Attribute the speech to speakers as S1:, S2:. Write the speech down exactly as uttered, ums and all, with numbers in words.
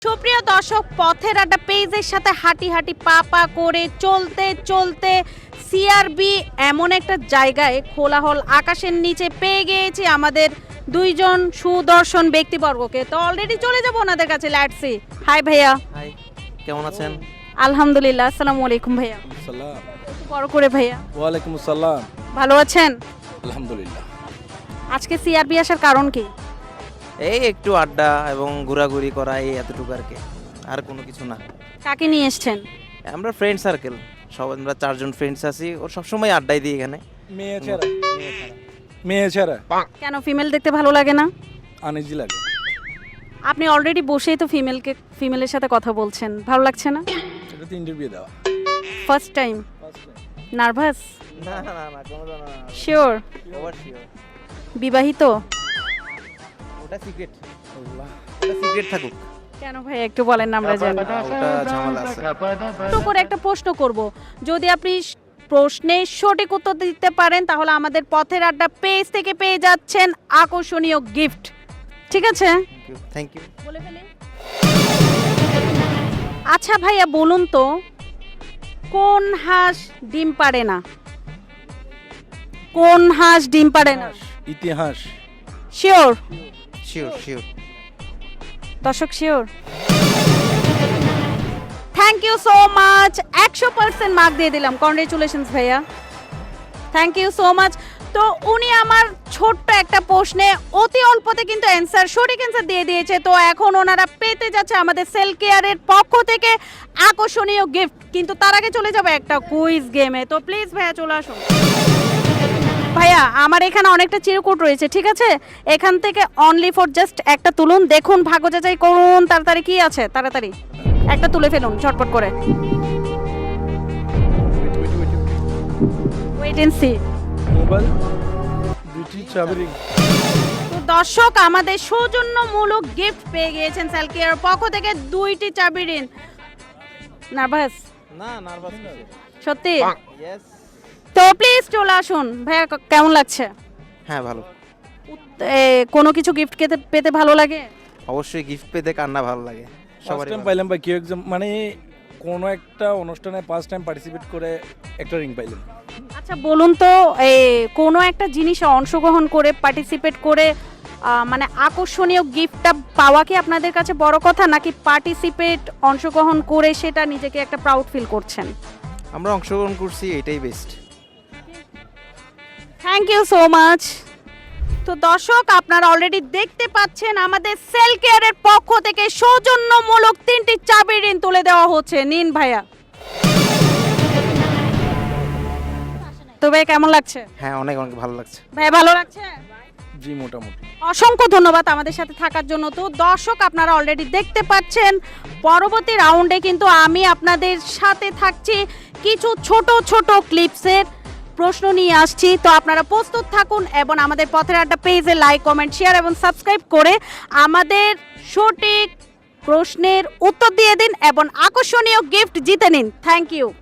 S1: সুপ্রিয় দর্শক, পথের আড্ডা পেজের সাথে হাঁটি হাঁটি পা পা করে চলতে চলতে সিআরবি এমন একটা জায়গায় খোলাহল আকাশের নিচে পেয়ে গিয়েছি আমাদের দুইজন সুদর্শন ব্যক্তিবর্গকে। তো অলরেডি চলে যাবো ওনাদের কাছে। Let's see. হাই ভাইয়া।
S2: হাই, কেমন আছেন?
S1: আলহামদুলিল্লাহ। আসসালামু আলাইকুম ভাইয়া।
S3: সালাম।
S1: একটু বড় করে ভাইয়া।
S3: ওয়ালাইকুম আসসালাম।
S1: ভালো আছেন?
S3: আলহামদুলিল্লাহ।
S1: আজকে সিআরবি আসার কারণ কি?
S2: এই একটু আড্ডা এবং ঘোরাঘুরি করা, এই এতটুকু আর কি, আর কোনো কিছু না।
S1: কাকে নিয়ে এসেছেন?
S2: আমরা ফ্রেন্ড সার্কেল, সব আমরা চারজন ফ্রেন্ডস আছি, ওর সবসময় আড্ডাই দিই এখানে।
S3: মেয়ে ছাড়া মেয়ে ছাড়া
S1: কেন, ফিমেল দেখতে ভালো লাগে না?
S3: আনিজি লাগে।
S1: আপনি অলরেডি বসেই তো ফিমেলকে ফিমেলের সাথে কথা বলছেন, ভালো লাগছে না?
S3: এটা তো ইন্টারভিউ দেওয়া।
S1: First time? নার্ভাস?
S2: না না না, কোনো না।
S1: শিওর?
S2: Over sure.
S1: বিবাহিত?
S2: ওটা সিক্রেট, ওটা সিক্রেট থাকুক।
S1: কেন ভাই একটু বলেন না, আমরা জানি।
S2: ওটা ঝামেলা আছে।
S1: তো করে একটা প্রশ্ন করব, যদি আপনি প্রশ্নের সঠিক উত্তর দিতে পারেন তাহলে আমাদের পথের আড্ডা পেজ থেকে পেয়ে যাচ্ছেন আকর্ষণীয় গিফট। ঠিক আছে,
S2: থ্যাংক ইউ।
S1: বলে ফেলি। আচ্ছা ভাইয়া, বলুন তো কোন হাঁস ডিম পারে না? কোন হাঁস ডিম পারে না?
S3: ইতিহাস।
S1: শিওর?
S2: Sure sure.
S1: দর্শক sure? Thank you so much. একশো পার্সেন্ট মার্ক দিয়ে দিলাম। কংগ্রেচুলেশনস ভাইয়া, থ্যাংক ইউ সো মাচ। তো উনি আমার ছোট্ট একটা প্রশ্নে অতি অল্পতে কিন্তু অ্যান্সার, সঠিক অ্যান্সার দিয়ে দিয়েছে। তো এখন ওনারা পেতে যাচ্ছে আমাদের সেল কেয়ারের পক্ষ থেকে আকর্ষণীয় গিফট। কিন্তু তার আগে চলে যাবে একটা কুইজ গেমে। তো প্লিজ ভাইয়া চলে আসুন। ভাইয়া, আমার এখানে অনেকটা চিরকুট রয়েছে, ঠিক আছে? এখান থেকে অনলি ফর জাস্ট একটা তুলুন, দেখুন, ভাগ্য যাচাই করুন তাড়াতাড়ি কি আছে। তাড়াতাড়ি একটা তুলে ফেলুন ঝটপট করে। Wait and see.
S3: মোবাইল, দুটি চাবি রিং।
S1: তো দর্শক, আমাদের সৌজন্যমূলক গিফট পেয়ে গিয়েছেন সেল কেয়ার পক্ষ থেকে দুইটি চাবি রিং। নার্ভাস?
S2: না, নার্ভাস না।
S1: সত্যি?
S2: ইয়েস।
S1: তো প্লিজ চলে আসুন। ভাইয়া কেমন লাগছে?
S2: হ্যাঁ, ভালো।
S1: এ, কোনো কিছু গিফট পেতে পেতে ভালো লাগে?
S2: অবশ্যই গিফট পেতে কান্না ভালো লাগে
S3: ফার্স্ট
S2: সবারই।
S3: টাইম পাইলাম বা কেউ একজন মানে কোনো একটা অনুষ্ঠানে ফার্স্ট টাইম পার্টিসিপেট করে একটা রিং পাইলাম।
S1: আচ্ছা বলুন তো, এই কোনো একটা জিনিসে অংশগ্রহণ করে পার্টিসিপেট করে আহ, মানে আকর্ষণীয় গিফটটা পাওয়া কি আপনাদের কাছে বড় কথা, নাকি পার্টিসিপেট অংশগ্রহণ করে সেটা নিজেকে একটা প্রাউড ফিল করছেন?
S2: আমরা অংশগ্রহণ করছি, এটাই best.
S1: Thank you so much. তো দর্শক, আপনারা অলরেডি দেখতে পাচ্ছেন আমাদের সেল কেয়ারের পক্ষ থেকে সৌজন্যমূলক তিনটি চাবি ঋণ তুলে দেওয়া হচ্ছে। নিন ভাইয়া। তো ভাই কেমন লাগছে?
S2: হ্যাঁ, অনেক অনেক ভালো লাগছে।
S1: ভাই ভালো লাগছে?
S3: জি, মোটামুটি।
S1: অসংখ্য ধন্যবাদ আমাদের সাথে থাকার জন্য। তো দর্শক, আপনারা অলরেডি দেখতে পাচ্ছেন পরবর্তী রাউন্ডে কিন্তু আমি আপনাদের সাথে থাকছি কিছু ছোট ছোট ক্লিপসের প্রশ্ন নিয়ে আসছি। তো আপনারা প্রস্তুত থাকুন এবং আমাদের পথের আড্ডা পেজে লাইক, কমেন্ট, শেয়ার এবং সাবস্ক্রাইব করে আমাদের সঠিক প্রশ্নের উত্তর দিয়ে দিন এবং আকর্ষণীয় গিফট জিতে নিন। Thank you.